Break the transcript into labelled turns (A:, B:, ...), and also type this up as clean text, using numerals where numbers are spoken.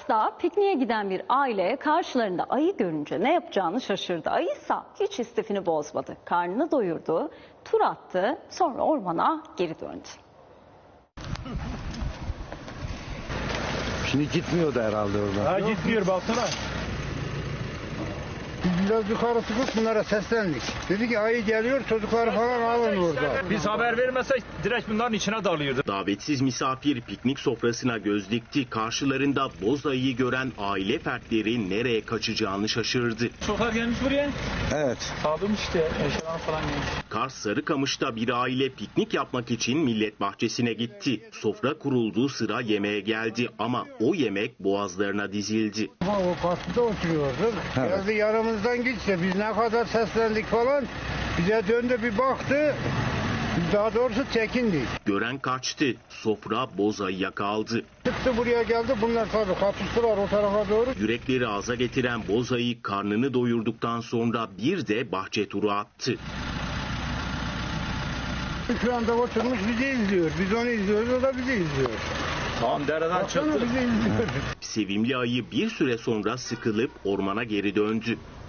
A: Kars'ta pikniğe giden bir aile karşılarında ayı görünce ne yapacağını şaşırdı. Ayıysa hiç istifini bozmadı. Karnını doyurdu, tur attı, sonra ormana geri döndü.
B: Şimdi gitmiyor da herhalde orada.
C: Ha gitmiyor baksana.
B: Biz biraz yukarı çıkıp bunlara seslendik. Dedi ki ayı geliyor, çocukları falan alın orada.
C: Biz haber vermesek direkt bunların içine dalıyordu.
D: Davetsiz misafir piknik sofrasına göz dikti. Karşılarında boz ayıyı gören aile fertleri nereye kaçacağını şaşırdı.
C: Çocuklar gelmiş buraya.
B: Evet.
C: Sağlamış işte eşyalar falan gelmiş.
D: Kars Sarıkamış'ta bir aile piknik yapmak için millet bahçesine gitti. Sofra kurulduğu sıra yemeğe geldi ama o yemek boğazlarına dizildi.
B: O karşıda oturuyorduk. Evet. Geldi yanımızdan geçti. Biz ne kadar seslendik falan. Bize döndü bir baktı. Daha doğrusu çekindik.
D: Gören kaçtı. Sofra boz ayıya kaldı.
B: Çıktı buraya geldi. Bunlar tabii kapıştılar o tarafa doğru.
D: Yürekleri ağza getiren boz ayı karnını doyurduktan sonra bir de bahçe turu attı.
B: Şu anda oturmuş bizi izliyor. Biz onu izliyoruz, o da bizi izliyor.
C: Tamam dereden çıktı.
B: Bizi izliyor.
D: Sevimli ayı bir süre sonra sıkılıp ormana geri döndü.